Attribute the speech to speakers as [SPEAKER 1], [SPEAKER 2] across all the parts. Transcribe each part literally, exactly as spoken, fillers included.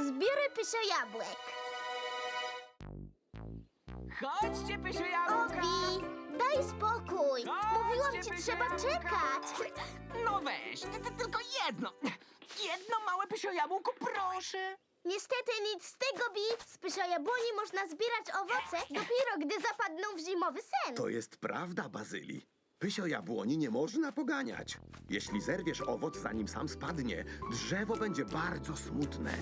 [SPEAKER 1] Zbiorę pysio jabłek.
[SPEAKER 2] Chodźcie, pysio jabłka!
[SPEAKER 1] Obi, daj spokój. Mówiłam ci,
[SPEAKER 2] Chodźcie,
[SPEAKER 1] trzeba
[SPEAKER 2] pysio jabłka.
[SPEAKER 1] czekać.
[SPEAKER 2] No weź, ty, ty, tylko jedno. Jedno małe pysio jabłko, proszę.
[SPEAKER 1] Niestety nic z tego, Bi. Z pysio jabłoni można zbierać owoce dopiero, gdy zapadną w zimowy sen.
[SPEAKER 3] To jest prawda, Bazyli. Pysio jabłoni nie można poganiać. Jeśli zerwiesz owoc, zanim sam spadnie, drzewo będzie bardzo smutne.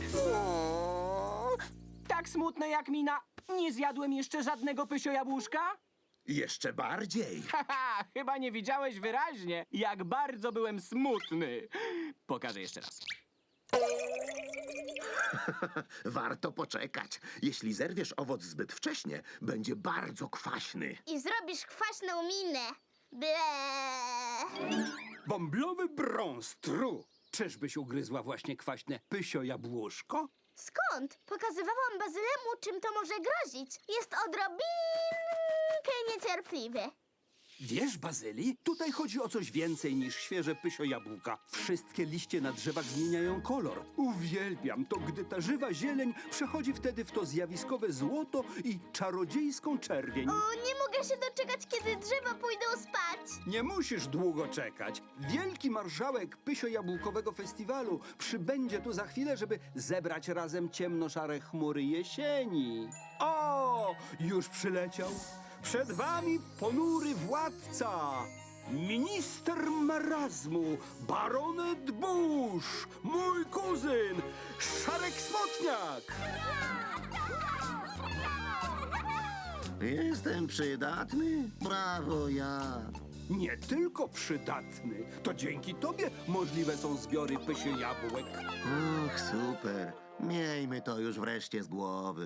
[SPEAKER 2] Tak smutne jak mina. Nie zjadłem jeszcze żadnego pysio jabłuszka?
[SPEAKER 3] Jeszcze bardziej.
[SPEAKER 2] Haha, chyba nie widziałeś wyraźnie, jak bardzo byłem smutny. Pokażę jeszcze raz.
[SPEAKER 3] Warto poczekać. Jeśli zerwiesz owoc zbyt wcześnie, będzie bardzo kwaśny.
[SPEAKER 1] I zrobisz kwaśną minę. Ble.
[SPEAKER 4] Bąblowy brąz, tru. Czyżbyś ugryzła właśnie kwaśne pysio jabłuszko?
[SPEAKER 1] Skąd? Pokazywałam Bazylemu, czym to może grozić. Jest odrobinkę niecierpliwy.
[SPEAKER 4] Wiesz, Bazyli, tutaj chodzi o coś więcej niż świeże pysio jabłka. Wszystkie liście na drzewach zmieniają kolor. Uwielbiam to, gdy ta żywa zieleń przechodzi wtedy w to zjawiskowe złoto i czarodziejską czerwień.
[SPEAKER 1] O, nie mogę się doczekać, kiedy drzewa pójdą spać.
[SPEAKER 4] Nie musisz długo czekać. Wielki marszałek pysio-jabłkowego festiwalu przybędzie tu za chwilę, żeby zebrać razem ciemnoszare chmury jesieni. O, już przyleciał. Przed wami ponury władca, minister marazmu, baronet Bush, mój kuzyn, Szarek Smotniak.
[SPEAKER 5] Jestem przydatny? Brawo, ja.
[SPEAKER 4] Nie tylko przydatny, to dzięki tobie możliwe są zbiory pysio jabłek.
[SPEAKER 5] Och, super. Miejmy to już wreszcie z głowy.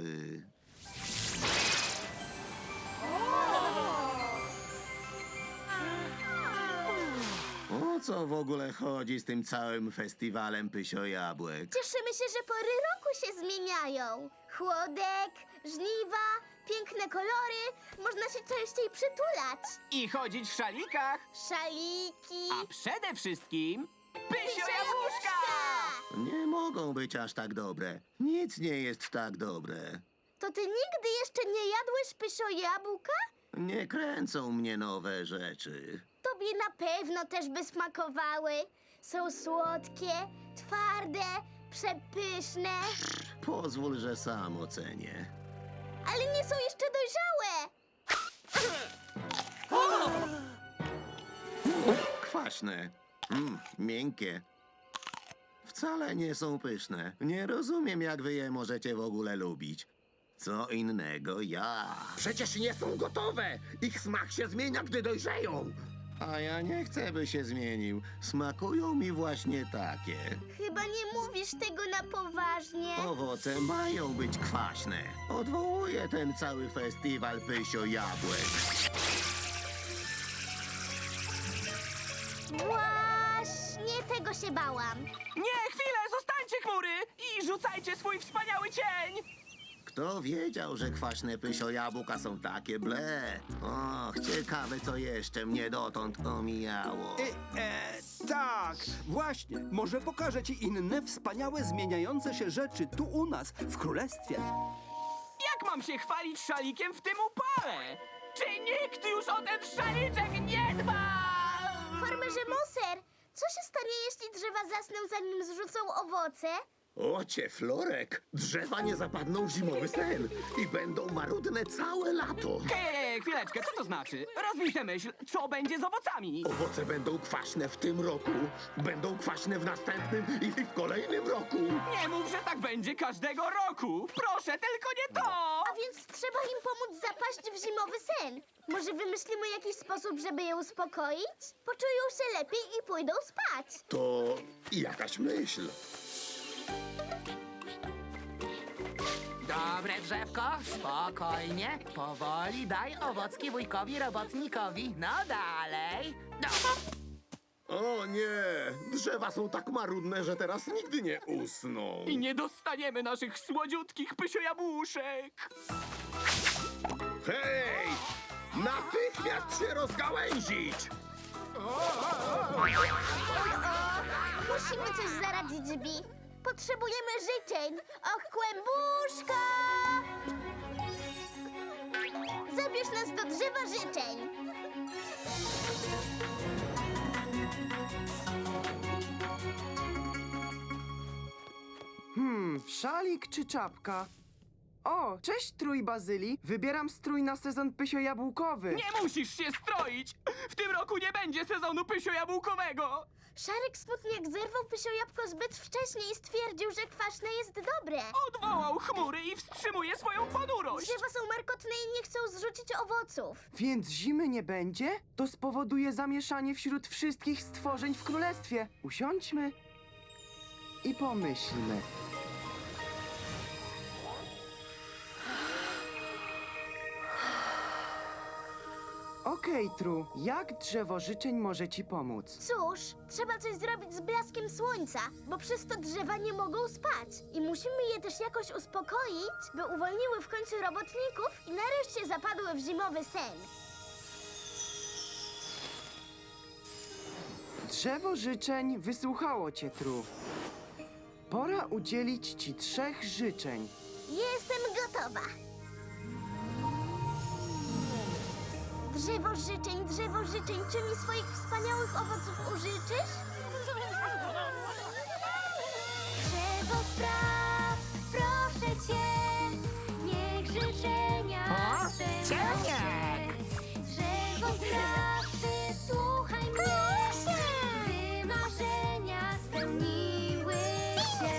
[SPEAKER 5] O co w ogóle chodzi z tym całym festiwalem pysio jabłek?
[SPEAKER 1] Cieszymy się, że pory roku się zmieniają. Chłodek, żniwa, piękne kolory. Można się częściej przytulać.
[SPEAKER 2] I chodzić w szalikach.
[SPEAKER 1] Szaliki.
[SPEAKER 2] A przede wszystkim pysio jabłuszka!
[SPEAKER 5] Nie mogą być aż tak dobre. Nic nie jest tak dobre.
[SPEAKER 1] To ty nigdy jeszcze nie jadłeś pysio jabłka?
[SPEAKER 5] Nie kręcą mnie nowe rzeczy.
[SPEAKER 1] Tobie na pewno też by smakowały. Są słodkie, twarde, przepyszne,
[SPEAKER 5] Pozwól, że sam ocenię.
[SPEAKER 1] ale nie są jeszcze dojrzałe.
[SPEAKER 5] Kwaśne. Mm, miękkie. Wcale nie są pyszne. Nie rozumiem, jak wy je możecie w ogóle lubić. Co innego ja.
[SPEAKER 3] Przecież nie są gotowe. Ich smak się zmienia, gdy dojrzeją.
[SPEAKER 5] A ja nie chcę, by się zmienił. Smakują mi właśnie takie.
[SPEAKER 1] Chyba nie mówisz tego na poważnie.
[SPEAKER 5] Owoce mają być kwaśne. Odwołuję ten cały festiwal pysio jabłek.
[SPEAKER 1] Właśnie tego się bałam.
[SPEAKER 2] Nie, chwilę, zostańcie chmury i rzucajcie swój wspaniały cień!
[SPEAKER 5] Kto wiedział, że kwaśne pysio jabłka są takie ble? Och, ciekawe, co jeszcze mnie dotąd omijało.
[SPEAKER 4] E, e, tak, właśnie. Może pokażę ci inne wspaniałe, zmieniające się rzeczy tu u nas, w królestwie.
[SPEAKER 2] Jak mam się chwalić szalikiem w tym upale? Czy nikt już o ten szaliczek nie dba?
[SPEAKER 1] Farmerze Moser, co się stanie, jeśli drzewa zasną, zanim zrzucą owoce?
[SPEAKER 3] Ocie, Florek, drzewa nie zapadną w zimowy sen i będą marudne całe lato.
[SPEAKER 2] Hej, chwileczkę, co to znaczy? Rozwij tę myśl, co będzie z owocami?
[SPEAKER 3] Owoce będą kwaśne w tym roku, będą kwaśne w następnym i w kolejnym roku.
[SPEAKER 2] Nie mów, że tak będzie każdego roku! Proszę, tylko nie to!
[SPEAKER 1] A więc trzeba im pomóc zapaść w zimowy sen. Może wymyślimy jakiś sposób, żeby je uspokoić? Poczują się lepiej i pójdą spać.
[SPEAKER 3] To jakaś myśl.
[SPEAKER 6] Dobre drzewko, spokojnie, powoli daj owocki wujkowi robotnikowi. No dalej. No.
[SPEAKER 3] O nie, drzewa są tak marudne, że teraz nigdy nie usną.
[SPEAKER 2] I nie dostaniemy naszych słodziutkich pysio-jabłuszek!
[SPEAKER 3] Hej! Natychmiast się rozgałęzić!
[SPEAKER 1] Musimy coś zaradzić, Bi. Potrzebujemy życzeń. Och, kłębuszka! Zabierz nas do drzewa życzeń.
[SPEAKER 7] Hmm, szalik czy czapka? O, cześć Trój Bazyli. Wybieram strój na sezon pysio-jabłkowy.
[SPEAKER 2] Nie musisz się stroić! W tym roku nie będzie sezonu pysio-jabłkowego!
[SPEAKER 1] Szarek Smutniak zerwał pysio jabłko zbyt wcześnie i stwierdził, że kwaśne jest dobre.
[SPEAKER 2] Odwołał chmury i wstrzymuje swoją ponurość!
[SPEAKER 1] Drzewa są markotne i nie chcą zrzucić owoców.
[SPEAKER 7] Więc zimy nie będzie? To spowoduje zamieszanie wśród wszystkich stworzeń w królestwie. Usiądźmy i pomyślmy. Okej, Tru, jak drzewo życzeń może ci pomóc?
[SPEAKER 1] Cóż, trzeba coś zrobić z blaskiem słońca, bo przez to drzewa nie mogą spać. I musimy je też jakoś uspokoić, by uwolniły w końcu robotników i nareszcie zapadły w zimowy sen.
[SPEAKER 7] Drzewo życzeń wysłuchało cię, Tru. Pora udzielić ci trzech życzeń.
[SPEAKER 1] Jestem gotowa. Drzewo życzeń, drzewo życzeń, czy mi swoich wspaniałych owoców użyczysz?
[SPEAKER 8] Drzewo spraw, proszę cię, niech życzenia
[SPEAKER 6] O,
[SPEAKER 8] spełnią
[SPEAKER 6] cieniek!
[SPEAKER 8] się. Drzewo spraw, wysłuchaj mnie, by marzenia spełniły się.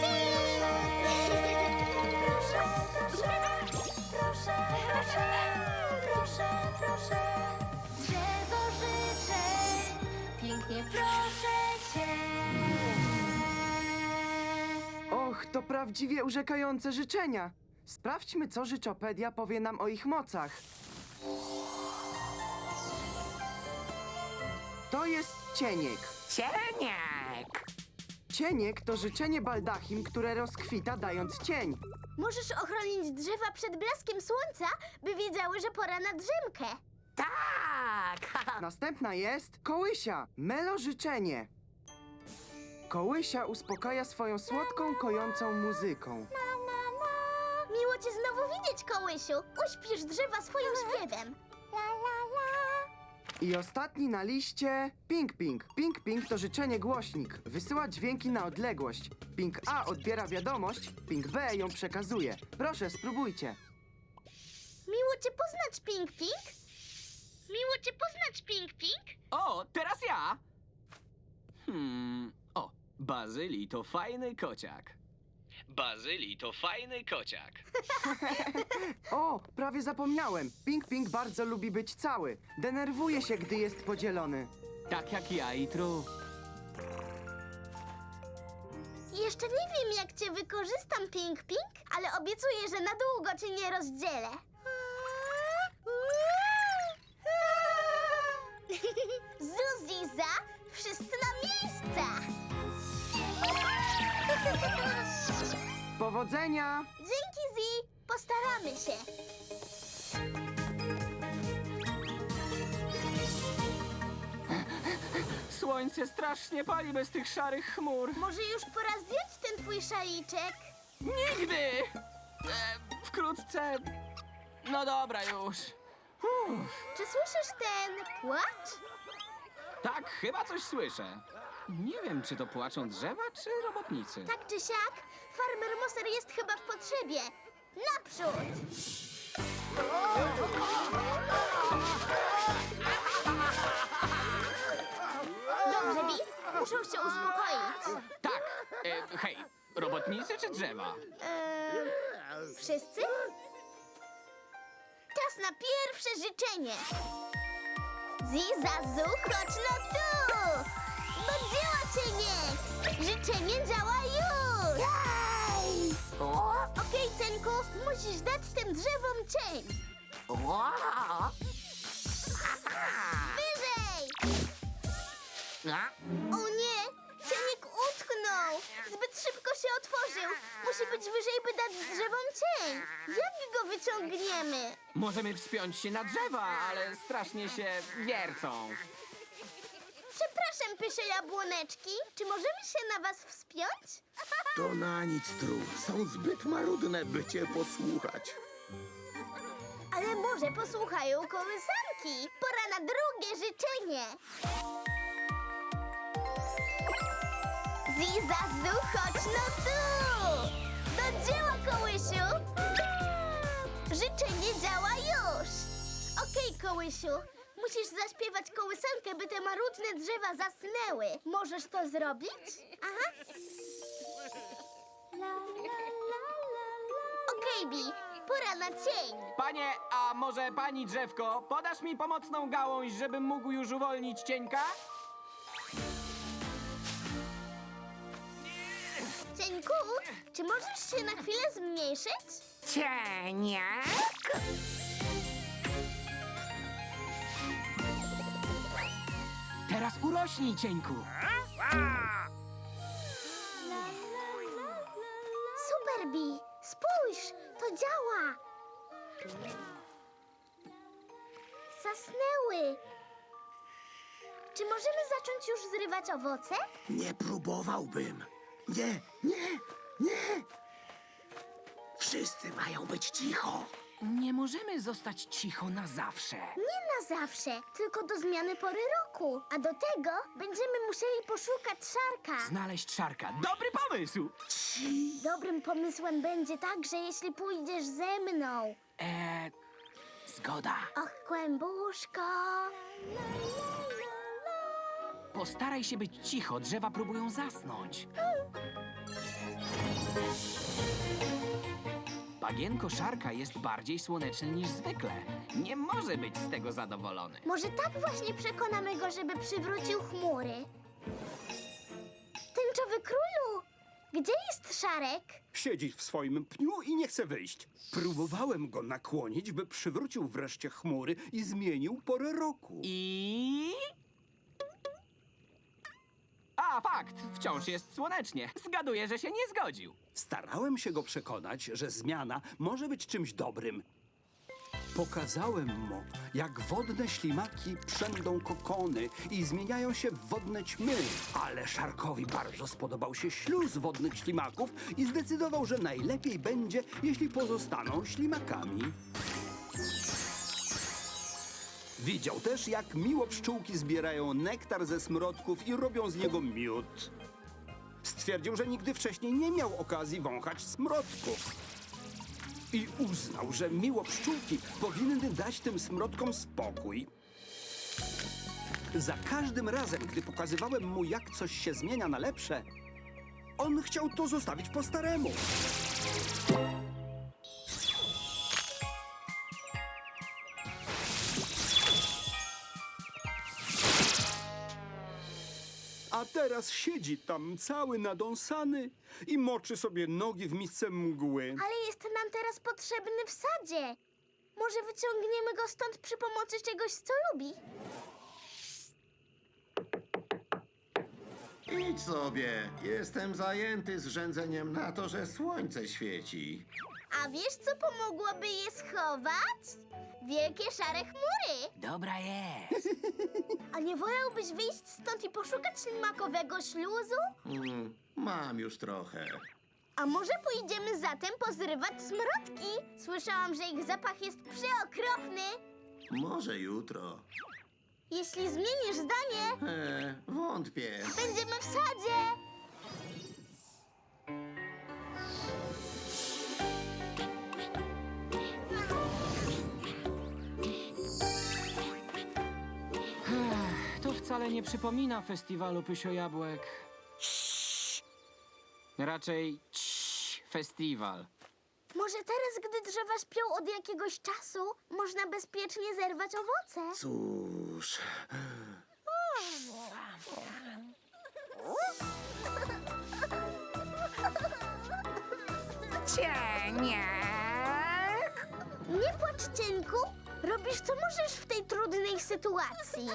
[SPEAKER 8] Proszę, proszę, proszę, proszę, proszę, proszę. Drzewo życzeń, pięknie proszę cię.
[SPEAKER 7] Och, to prawdziwie urzekające życzenia. Sprawdźmy, co Życzopedia powie nam o ich mocach. To jest cieniek.
[SPEAKER 6] Cieniek!
[SPEAKER 7] Cieniek to życzenie baldachim, które rozkwita dając cień.
[SPEAKER 1] Możesz ochronić drzewa przed blaskiem słońca, by wiedziały, że pora na drzemkę.
[SPEAKER 6] Tak!
[SPEAKER 7] Następna jest kołysia, melo życzenie. Kołysia uspokaja swoją słodką, kojącą muzyką.
[SPEAKER 1] Miło cię znowu widzieć, kołysiu. Uśpisz drzewa swoim śpiewem.
[SPEAKER 7] I ostatni na liście Ping Ping. Ping Ping to życzenie głośnik. Wysyła dźwięki na odległość. Ping A odbiera wiadomość, Ping B ją przekazuje. Proszę, spróbujcie.
[SPEAKER 1] Miło cię poznać, Ping Ping. Miło cię poznać, Ping Ping.
[SPEAKER 2] O, teraz ja! Hmm... O, Bazyli to fajny kociak. Bazyli to fajny kociak.
[SPEAKER 7] O, prawie zapomniałem. Ping Ping bardzo lubi być cały. Denerwuje się, gdy jest podzielony.
[SPEAKER 2] Tak jak ja i Tru.
[SPEAKER 1] Jeszcze nie wiem, jak cię wykorzystam, Ping Ping, ale obiecuję, że na długo cię nie rozdzielę. Zuzi za, wszyscy na miejsca!
[SPEAKER 7] Powodzenia!
[SPEAKER 1] Dzięki, Zi! Postaramy się.
[SPEAKER 2] Słońce strasznie pali bez tych szarych chmur.
[SPEAKER 1] Może już pora zdjąć ten twój szaliczek?
[SPEAKER 2] Nigdy! E, wkrótce... No dobra już. Uff,
[SPEAKER 1] Czy słyszysz ten płacz?
[SPEAKER 2] tak, chyba coś słyszę. Nie wiem, czy to płaczą drzewa, czy robotnicy.
[SPEAKER 1] Tak czy siak, farmer Moser jest chyba w potrzebie. Naprzód! Dobrze, Bi, muszą się uspokoić.
[SPEAKER 2] Tak, e, hej, robotnicy czy drzewa?
[SPEAKER 1] Eee, wszyscy? Czas na pierwsze życzenie. Zizazu, chodź no tu! Do dzieła, cieniek! Życzenie działa już!
[SPEAKER 6] Jej! O!
[SPEAKER 1] Okej, Cenku, musisz dać tym drzewom cień.
[SPEAKER 6] O!
[SPEAKER 1] Wyżej!
[SPEAKER 6] A?
[SPEAKER 1] O nie! Cieniek utknął! Zbyt szybko się otworzył. Musi być wyżej, by dać drzewom cień. Jak go wyciągniemy?
[SPEAKER 2] Możemy wspiąć się na drzewa, ale strasznie się wiercą.
[SPEAKER 1] Przepraszam, Pysio Jabłoneczki, czy możemy się na was wspiąć?
[SPEAKER 3] To na nic, Tru. Są zbyt marudne, by cię posłuchać.
[SPEAKER 1] Ale może posłuchają kołysanki. Pora na drugie życzenie. Zizazu, chodź no tu! Do dzieła, kołysiu! Życzenie działa już! Okej, kołysiu, musisz zaśpiewać kołysankę, by te marudne drzewa zasnęły. Możesz to zrobić? Aha. Okej, Bi, pora na cień.
[SPEAKER 2] Panie, a może pani drzewko, podasz mi pomocną gałąź, żebym mógł już uwolnić cieńka?
[SPEAKER 1] Cieńku, czy możesz się na chwilę zmniejszyć?
[SPEAKER 6] Cieniak?
[SPEAKER 2] Teraz urośnij, cieńku.
[SPEAKER 1] Super, Bi, spójrz, to działa. Zasnęły. Czy możemy zacząć już zrywać owoce?
[SPEAKER 3] Nie próbowałbym. Nie, nie, nie. Wszyscy mają być cicho.
[SPEAKER 2] Nie możemy zostać cicho na zawsze.
[SPEAKER 1] Nie na zawsze, tylko do zmiany pory roku. A do tego będziemy musieli poszukać szarka.
[SPEAKER 2] Znaleźć szarka. Dobry pomysł!
[SPEAKER 1] Dobrym pomysłem będzie także, jeśli pójdziesz ze mną.
[SPEAKER 2] Eee, zgoda.
[SPEAKER 1] Och, kłębuszko.
[SPEAKER 2] Postaraj się być cicho, drzewa próbują zasnąć. Bagienko szarka jest bardziej słoneczny niż zwykle. Nie może być z tego zadowolony.
[SPEAKER 1] Może tak właśnie przekonamy go, żeby przywrócił chmury. Tęczowy królu, gdzie jest Szarek?
[SPEAKER 4] Siedzi w swoim pniu i nie chce wyjść. Próbowałem go nakłonić, by przywrócił wreszcie chmury i zmienił porę roku.
[SPEAKER 2] I... A, fakt, wciąż jest słonecznie. Zgaduję, że się nie zgodził.
[SPEAKER 4] Starałem się go przekonać, że zmiana może być czymś dobrym. Pokazałem mu, jak wodne ślimaki przędą kokony i zmieniają się w wodne ćmy. Ale Szarkowi bardzo spodobał się śluz wodnych ślimaków i zdecydował, że najlepiej będzie, jeśli pozostaną ślimakami. Widział też, jak miło pszczółki zbierają nektar ze smrodków i robią z niego miód. Stwierdził, że nigdy wcześniej nie miał okazji wąchać smrodków. I uznał, że miło pszczółki powinny dać tym smrodkom spokój. Za każdym razem, gdy pokazywałem mu, jak coś się zmienia na lepsze, on chciał to zostawić po staremu. A teraz siedzi tam cały nadąsany i moczy sobie nogi w misce mgły.
[SPEAKER 1] Ale jest nam teraz potrzebny w sadzie. Może wyciągniemy go stąd przy pomocy czegoś, co lubi?
[SPEAKER 5] Idź sobie. Jestem zajęty zrzędzeniem na to, że słońce świeci.
[SPEAKER 1] A wiesz, co pomogłoby je schować? Wielkie szare chmury.
[SPEAKER 2] Dobra jest.
[SPEAKER 1] A nie wolałbyś wyjść stąd i poszukać ślimakowego śluzu?
[SPEAKER 5] Mm, mam już trochę.
[SPEAKER 1] A może pójdziemy zatem pozrywać smrodki? Słyszałam, że ich zapach jest przeokropny.
[SPEAKER 5] Może jutro.
[SPEAKER 1] Jeśli zmienisz zdanie,
[SPEAKER 5] E, wątpię.
[SPEAKER 1] będziemy w sadzie.
[SPEAKER 2] To wcale nie przypomina festiwalu Pysio-Jabłek. Raczej cii, festiwal.
[SPEAKER 1] Może teraz, gdy drzewa śpią od jakiegoś czasu, można bezpiecznie zerwać owoce?
[SPEAKER 3] Cóż,
[SPEAKER 6] Cieniak?
[SPEAKER 1] Nie płacz, Cieńku. Robisz, co możesz w tej trudnej sytuacji.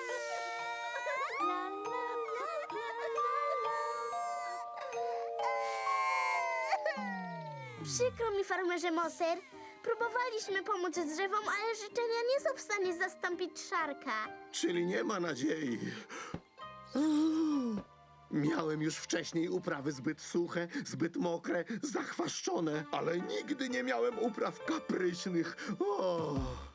[SPEAKER 1] Przykro mi, farmerze Moser. Próbowaliśmy pomóc drzewom, ale życzenia nie są w stanie zastąpić Szarka.
[SPEAKER 3] czyli nie ma nadziei. Miałem już wcześniej uprawy zbyt suche, zbyt mokre, zachwaszczone, ale nigdy nie miałem upraw kapryśnych. O!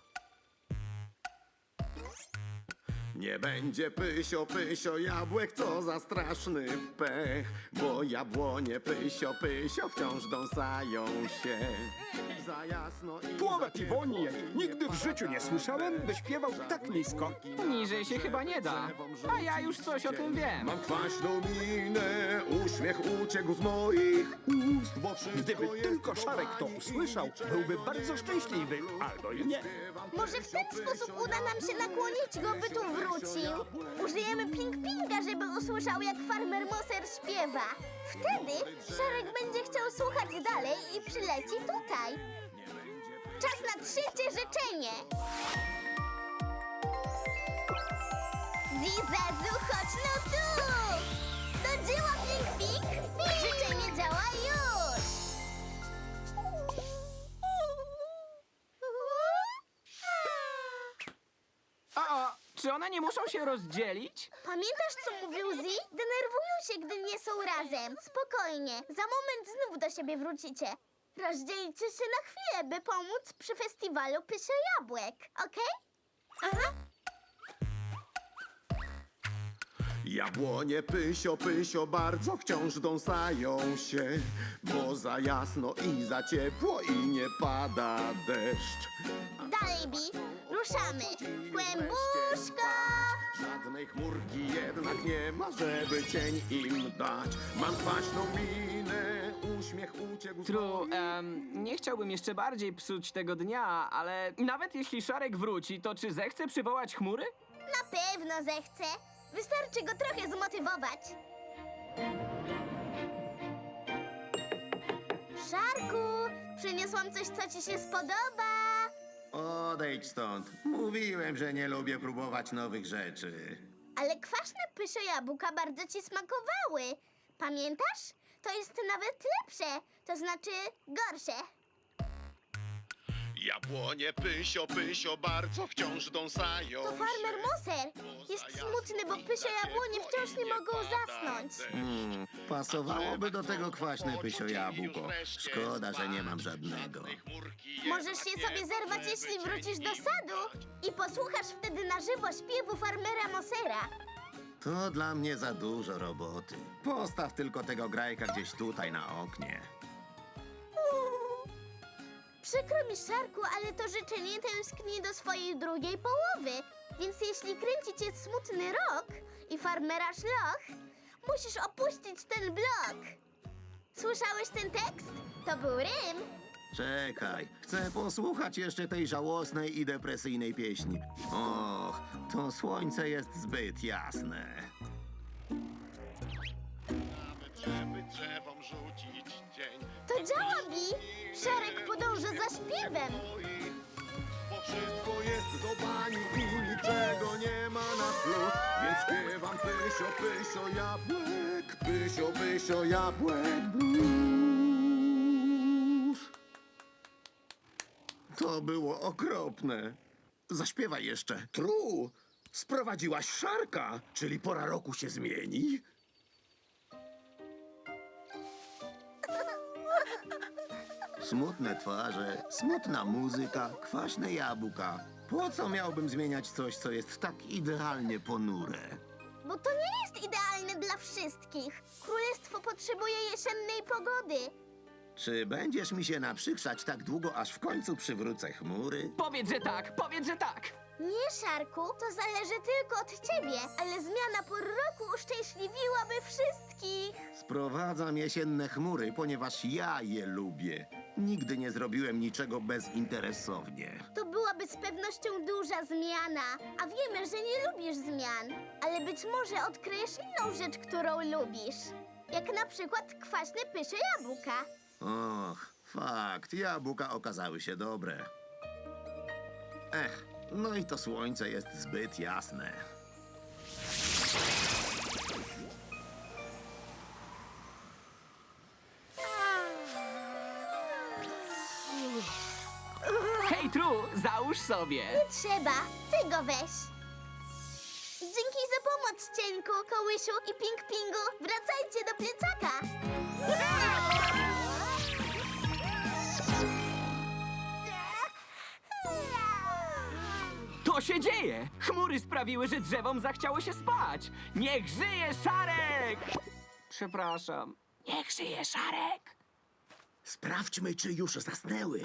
[SPEAKER 3] Nie będzie pysio, pysio jabłek, co za straszny pech, bo jabłonie pysio, pysio wciąż dąsają się. Za jasno i
[SPEAKER 4] Słowa
[SPEAKER 3] za ciepło
[SPEAKER 4] Iwonie,
[SPEAKER 3] i
[SPEAKER 4] nigdy w życiu nie słyszałem, by śpiewał tak nisko.
[SPEAKER 2] Niżej się chyba nie da. A ja już coś o tym wiem.
[SPEAKER 3] Mam kwaśną minę, uśmiech uciekł z moich ust, bo wszystko
[SPEAKER 4] Gdyby
[SPEAKER 3] jest
[SPEAKER 4] tylko Szarek to
[SPEAKER 3] do
[SPEAKER 4] usłyszał,
[SPEAKER 3] bani i
[SPEAKER 4] byłby
[SPEAKER 3] niczego
[SPEAKER 4] bardzo
[SPEAKER 3] nie
[SPEAKER 4] szczęśliwy,
[SPEAKER 3] ma.
[SPEAKER 4] albo i nie.
[SPEAKER 1] Może w ten sposób uda nam się nakłonić go, by tu wrócił. Użyjemy ping-pinga, żeby usłyszał, jak farmer Moser śpiewa. Wtedy Szarek będzie chciał słuchać dalej i przyleci tutaj. Czas na trzecie życzenie. Zizazu, chodź no tu! Do dzieła, ping-ping! Życzenie działa już!
[SPEAKER 2] O, czy one nie muszą się rozdzielić?
[SPEAKER 1] Pamiętasz, co mówił Zi? Denerwują się, gdy nie są razem. Spokojnie, za moment znów do siebie wrócicie. Rozdzielcie się na chwilę, by pomóc przy festiwalu Pysio Jabłek, okej? Aha.
[SPEAKER 3] Jabłonie pysio, pysio bardzo wciąż dąsają się, bo za jasno i za ciepło i nie pada deszcz.
[SPEAKER 1] Dalej, Bi, ruszamy. Kłębuszko!
[SPEAKER 3] Żadnej chmurki jednak nie ma, żeby cień im dać. Mam kwaśną minę, uśmiech uciekł z
[SPEAKER 2] Tru,
[SPEAKER 3] moich
[SPEAKER 2] em, nie chciałbym jeszcze bardziej psuć tego dnia, ale nawet jeśli Szarek wróci, to czy zechce przywołać chmury?
[SPEAKER 1] Na pewno zechce. Wystarczy go trochę zmotywować. Szarku, przyniosłam coś, co ci się spodoba.
[SPEAKER 5] Odejdź stąd. Mówiłem, że nie lubię próbować nowych rzeczy.
[SPEAKER 1] Ale kwaśne Pysio Jabłka bardzo ci smakowały. Pamiętasz? To jest nawet lepsze, to znaczy gorsze.
[SPEAKER 3] Jabłonie pysio, pysio bardzo wciąż dąsają
[SPEAKER 1] To farmer Moser. Jest smutny, bo Pysio Jabłonie wciąż nie mogą zasnąć.
[SPEAKER 5] Hmm, pasowałoby do tego kwaśne pysio jabłko. Szkoda, że nie mam żadnego.
[SPEAKER 1] Możesz je sobie zerwać, jeśli wrócisz do sadu i posłuchasz wtedy na żywo śpiewu farmera Mosera.
[SPEAKER 5] To dla mnie za dużo roboty. Postaw tylko tego grajka gdzieś tutaj na oknie.
[SPEAKER 1] Przykro mi, Szarku, ale to życzenie tęskni do swojej drugiej połowy. Więc jeśli kręci cię smutny rok i farmera szloch, musisz opuścić ten blok. Słyszałeś ten tekst? To był rym.
[SPEAKER 5] Czekaj, chcę posłuchać jeszcze tej żałosnej i depresyjnej pieśni. Och, to słońce jest zbyt jasne.
[SPEAKER 3] żeby drzewom rzucić cień.
[SPEAKER 1] To działa, Bi. Szarek podąża za śpiewem.
[SPEAKER 3] Bo wszystko jest do bani i niczego nie ma na plus. Więc śpiewam pysio, pysio jabłek, pysio, pysio jabłek blues. To było okropne. Zaśpiewaj jeszcze. Tru, sprowadziłaś Szarka, czyli pora roku się zmieni?
[SPEAKER 5] Smutne twarze, smutna muzyka, kwaśne jabłka. Po co miałbym zmieniać coś, co jest tak idealnie ponure?
[SPEAKER 1] Bo to nie jest idealne dla wszystkich. Królestwo potrzebuje jesiennej pogody.
[SPEAKER 5] Czy będziesz mi się naprzykrzać tak długo, aż w końcu przywrócę chmury?
[SPEAKER 2] Powiedz, że tak, powiedz, że tak!
[SPEAKER 1] Nie, Szarku, to zależy tylko od ciebie, ale zmiana pór roku uszczęśliwiłaby wszystkich.
[SPEAKER 5] Sprowadzam jesienne chmury, ponieważ ja je lubię. Nigdy nie zrobiłem niczego bezinteresownie.
[SPEAKER 1] To byłaby z pewnością duża zmiana, a wiemy, że nie lubisz zmian. Ale być może odkryjesz inną rzecz, którą lubisz. Jak na przykład kwaśne Pysio Jabłka.
[SPEAKER 5] Och, fakt, jabłka okazały się dobre. Ech, no i to słońce jest zbyt jasne.
[SPEAKER 2] Hej, Tru, załóż sobie!
[SPEAKER 1] Nie trzeba, ty go weź. Dzięki za pomoc, Cieńku, Kołysiu i Ping Pingu, wracajcie do plecaka!
[SPEAKER 2] To się dzieje! Chmury sprawiły, że drzewom zachciało się spać! Niech żyje Szarek! Przepraszam. Niech żyje Szarek!
[SPEAKER 5] Sprawdźmy, czy już zasnęły.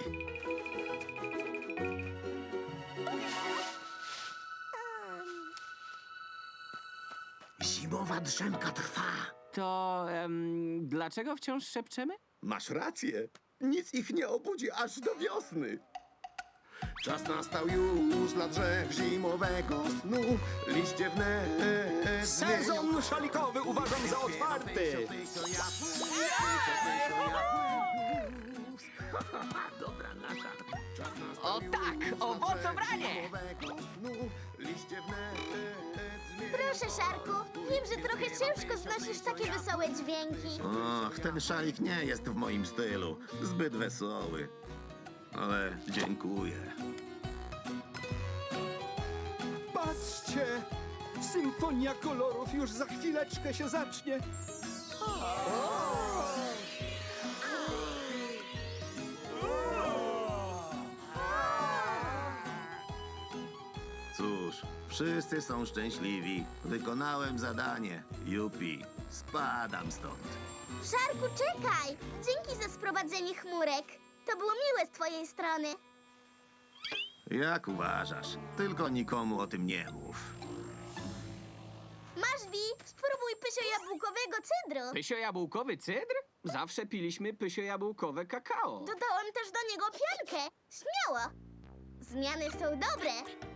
[SPEAKER 5] Zimowa drzemka trwa.
[SPEAKER 2] To em, dlaczego wciąż szepczemy?
[SPEAKER 3] Masz rację. Nic ich nie obudzi aż do wiosny. Czas nastał już dla drzew zimowego snu. Liście wnet
[SPEAKER 4] Sezon szalikowy uważam za otwarty.
[SPEAKER 3] Dobra nasza. Czas nastał
[SPEAKER 2] O tak,
[SPEAKER 3] już dla
[SPEAKER 2] owocobranie!
[SPEAKER 3] drzew zimowego snu. Liście wnet zmienią
[SPEAKER 1] Proszę, Szarku, wiem, że trochę ciężko znosisz takie wesołe dźwięki.
[SPEAKER 5] Och, ten szalik nie jest w moim stylu. Zbyt wesoły. Ale dziękuję.
[SPEAKER 4] Patrzcie! Symfonia kolorów już za chwileczkę się zacznie.
[SPEAKER 5] Cóż, wszyscy są szczęśliwi. Wykonałem zadanie. Jupi, spadam stąd.
[SPEAKER 1] Szarku, czekaj! Dzięki za sprowadzenie chmurek. To było miłe z twojej strony.
[SPEAKER 5] Jak uważasz? Tylko nikomu o tym nie mów.
[SPEAKER 1] Masz, Wi, spróbuj pysio-jabłkowego cydru.
[SPEAKER 2] Pysio-jabłkowy cydr? Zawsze piliśmy pysio-jabłkowe kakao.
[SPEAKER 1] Dodałem też do niego piankę. Śmiało. Zmiany są dobre.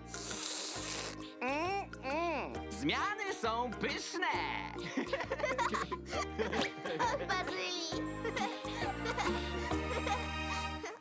[SPEAKER 2] Zmiany są pyszne!
[SPEAKER 1] Och, Bazylii.